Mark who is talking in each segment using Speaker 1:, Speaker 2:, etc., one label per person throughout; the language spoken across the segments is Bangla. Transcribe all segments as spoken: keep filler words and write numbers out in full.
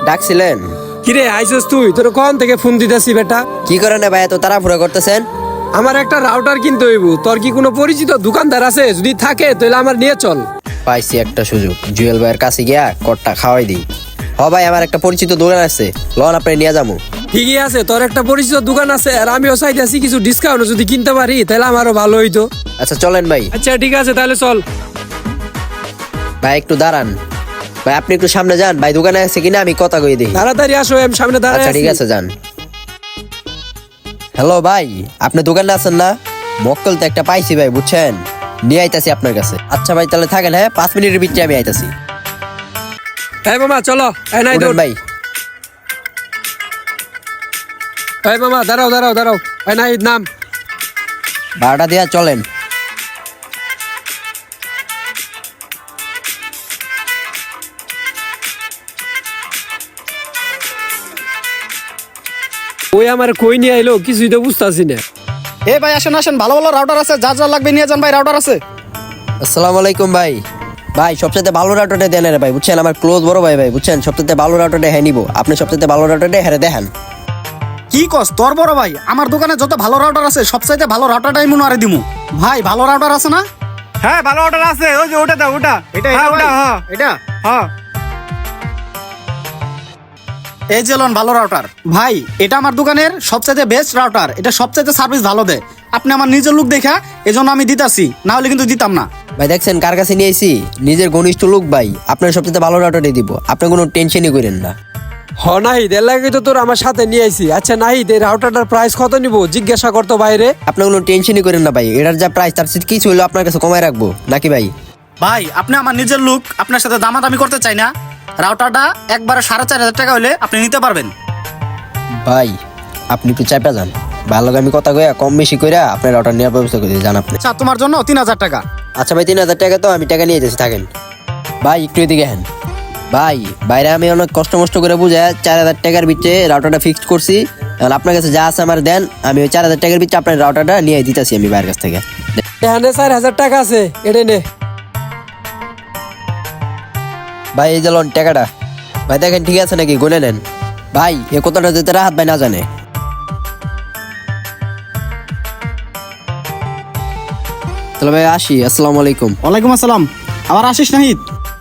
Speaker 1: ডাকছিলেন?
Speaker 2: কিরে আইসস তুই? তোর কোন থেকে ফোন দিতেছি বেটা?
Speaker 1: কি করেন ভাই এত তাড়াহুড়ো করতেছেন?
Speaker 2: আমার একটা রাউটার কিনতে হইব। তোর কি কোনো পরিচিত দোকানদার আছে? যদি থাকে তাহলে আমার নিয়ে চল।
Speaker 1: পাইছি একটা সুযোগ, জুয়েল ভাইয়ের কাছে গিয়া কটটা খাওয়াই দিই। হ ভাই, আমার একটা পরিচিত দোকান আছে, লন আপনি নিয়ে যাবো।
Speaker 2: ঠিকই আছে, তোর একটা পরিচিত দোকান আছে আর আমিও চাইতেছি কিছু ডিসকাউন্ট যদি কিনতে পারি তাহলে আমারও ভালো হইতো।
Speaker 1: আচ্ছা চলেন ভাই।
Speaker 2: আচ্ছা ঠিক আছে তাহলে চল।
Speaker 1: ভাই একটু দাঁড়ান ভাই, আপনি একটু সামনে যান ভাই, দোকানে আছে কিনা আমি কথা কই দিই।
Speaker 2: তাড়াতাড়ি আসো, আমি সামনে দাঁড়াই
Speaker 1: আচ্ছা
Speaker 2: আছি।
Speaker 1: ঠিক আছে যান। হ্যালো ভাই, আপনি দোকানে আছেন না? মক্কেল তো একটা পাইছি ভাই, বুঝছেন, নিয়ে আইতাছি আপনার কাছে। আচ্ছা ভাই তাহলে থাকেন, হ্যাঁ পাঁচ মিনিটের ভিতরে আমি আইতাছি।
Speaker 2: এই মামা চলো। এই নাই
Speaker 1: উঠেন
Speaker 2: দৌড়।
Speaker 1: ভাই।
Speaker 2: এই মামা দাঁড়াও দাঁড়াও দাঁড়াও। এই নাই নাম।
Speaker 1: ভাড়াটা দিয়া চলেন।
Speaker 2: ওই আমার কই নিয়ে আইলো কিছুই তো বুঝতেছি না।
Speaker 3: এ ভাই আসেন আসেন, ভালো ভালো রাউটার আছে, যা যা লাগবে নিয়ে যান ভাই, রাউটার আছে।
Speaker 1: আসসালামু আলাইকুম ভাই। ভাই সবচেয়ে ভালো রাউটারটা দেন রে ভাই, বুঝছেন, আমার ক্লোজ বড় ভাই ভাই, বুঝছেন, সবচেয়ে ভালো রাউটারটা হ্যাঁ নিবো। আপনি সবচেয়ে ভালো রাউটারটা হ্যাঁ দেখান।
Speaker 3: কি কস তোর বড় ভাই? আমার দোকানে যত ভালো রাউটার আছে সবচাইতে ভালো রাউটারটাই মনে আরে দিমু। ভাই ভালো রাউটার আছে না?
Speaker 4: হ্যাঁ ভালো অর্ডার আছে, ওই যে ওটা দাও, ওটা
Speaker 3: এটা
Speaker 4: হ্যাঁ
Speaker 3: এটা
Speaker 4: ওটা,
Speaker 3: ভাই?
Speaker 4: হ্যাঁ
Speaker 3: এটা
Speaker 4: হ্যাঁ।
Speaker 3: এই যে লন ভালো রাউটার। ভাই এটা আমার দোকানের সবচাইতে বেস্ট রাউটার, এটা সবচাইতে সার্ভিস ভালো দেয়। আপনি আমার নিজের লোক দেখা এজন্য আমি দিতাছি, না হলে কিন্তু দিতাম না।
Speaker 1: ভাই দেখছেন কার কাছে নিয়ে আইছি, নিজের ঘনিষ্ঠ লোক ভাই, আপনার সবচেয়ে ভালো রাউটারটাই দিব, আপনি কোনো টেনশনই করেন না।
Speaker 2: হ নাহিদ, এর লাগে তো তোর আমার সাথে নিয়ে আইছি। আচ্ছা নাহিদ, এই রাউটারটার প্রাইস কত নিব জিজ্ঞাসা করতো বাইরে।
Speaker 1: আপনি কোনো টেনশনই করেন না ভাই, এটার যা প্রাইস তার সাথে কিছু হইলো আপনার কাছে কমায় রাখবো নাকি ভাই?
Speaker 3: ভাই আপনি আমার নিজের লোক, আপনার সাথে দামাদামি করতে চাই না। রাউটারটা একবারে সাড়ে চার হাজার টাকা হলে আপনি নিতে পারবেন।
Speaker 1: ভাই আপনি একটু চাপা যান, ভালো আমি কথা কইয়া কম বেশি কইরা আপনার রাউটার নেওয়ার ব্যবস্থা করে যান আপনি।
Speaker 3: আচ্ছা তোমার জন্য তিন হাজার টাকা।
Speaker 1: আচ্ছা ভাই তিন হাজার টাকা তো আমি টাকা নিয়ে যাচ্ছি, থাকেন ভাই একটু এদিকে হ্যান। ভাই বাইরে আমি অনেক কষ্ট মষ্ট করে বুঝে চার হাজার টাকার ভিতরে রাউটারটা ফিক্সড করছি। এখন আপনার কাছে যা আছে আমার দেন, আমি ওই চার হাজার টাকার ভিতরে আপনার রাউটারটা নিয়ে দিতেছি আমি বাইরের কাছ থেকে।
Speaker 2: এখানে চার হাজার টাকা আছে, এটা নে।
Speaker 1: ভাই এই যে লোন টাকাটা, ভাই দেখেন ঠিক আছে নাকি গুনে নেন। ভাই এ কথাটা যেতে রাহাত ভাই না জানে। তাহলে ভাই আসি, আসসালামু আলাইকুম।
Speaker 3: ওয়ালাইকুম আসসালাম। আবার আসিস নাহিদ।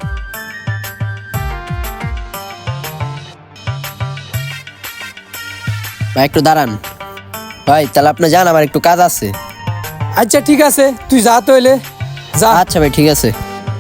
Speaker 1: ভাই একটু দাঁড়ান ভাই, তাহলে আপনি যান, আমার একটু কাজ আছে।
Speaker 2: আচ্ছা ঠিক আছে, তুই যা তইলে যা।
Speaker 1: আচ্ছা ভাই ঠিক আছে।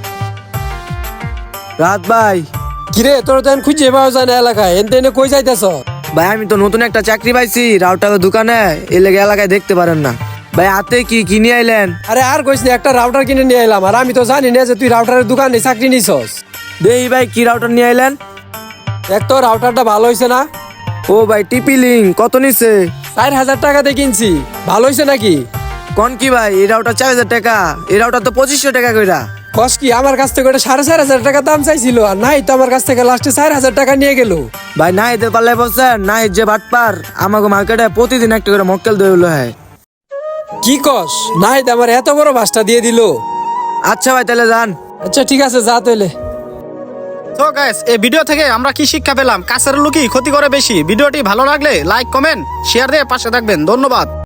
Speaker 4: রাত ভাই,
Speaker 2: কিরে তোর তো এখন খুঁজে পাওয়া যায় না এলাকায়, এনতে এনে কই যাইতেছ?
Speaker 4: ভাই আমি তো নতুন একটা চাকরি পাইছি রাউটারের দোকানে, এই লেগে এলাকায় দেখতে পারেন না। ভাই হাতে কি কিনে আইলেন?
Speaker 2: আরে আর কইস না, একটা রাউটার কিনে নিয়ে এলাম। আর আমি তো জানি না যে তুই রাউটারের দোকানে চাকরি নিছস।
Speaker 4: দেই ভাই কি রাউটার নিয়ে আইলেন?
Speaker 2: দেখ তো রাউটারটা ভালো হয়েছে না?
Speaker 4: ও ভাই টিপি লিং কত নিছে?
Speaker 2: চার হাজার টাকা দিয়ে কিনছি, ভালো হয়েছে নাকি?
Speaker 4: কোন কি ভাই, এই রাউটার চার হাজার টাকা, এই রাউটার তো পঁচিশশো টাকা কইরা।
Speaker 2: কস কি, আমার কাছ থেকে ওটা সাড়ে চার হাজার টাকা দাম চাইছিল, আর নাই তো আমার কাছ থেকে লাস্টে চার হাজার টাকা নিয়ে গেল।
Speaker 4: ভাই না এদের পাল্লে বলছেন, না যে বাটপার আমাকে মার্কেটে প্রতিদিন একটা করে মক্কেল দইলো। হ্যাঁ
Speaker 2: কি কস, নাই আমার এত বড় বাসটা দিয়ে দিল।
Speaker 4: আচ্ছা ভাই তাহলে যান।
Speaker 2: আচ্ছা ঠিক আছে যা তইলে।
Speaker 3: তো গাইস এই ভিডিও থেকে আমরা কি শিক্ষা পেলাম? কাছের লোকই ক্ষতি করে বেশি। ভিডিওটি ভালো লাগলে লাইক কমেন্ট শেয়ার দিয়ে পাশে থাকবেন। ধন্যবাদ।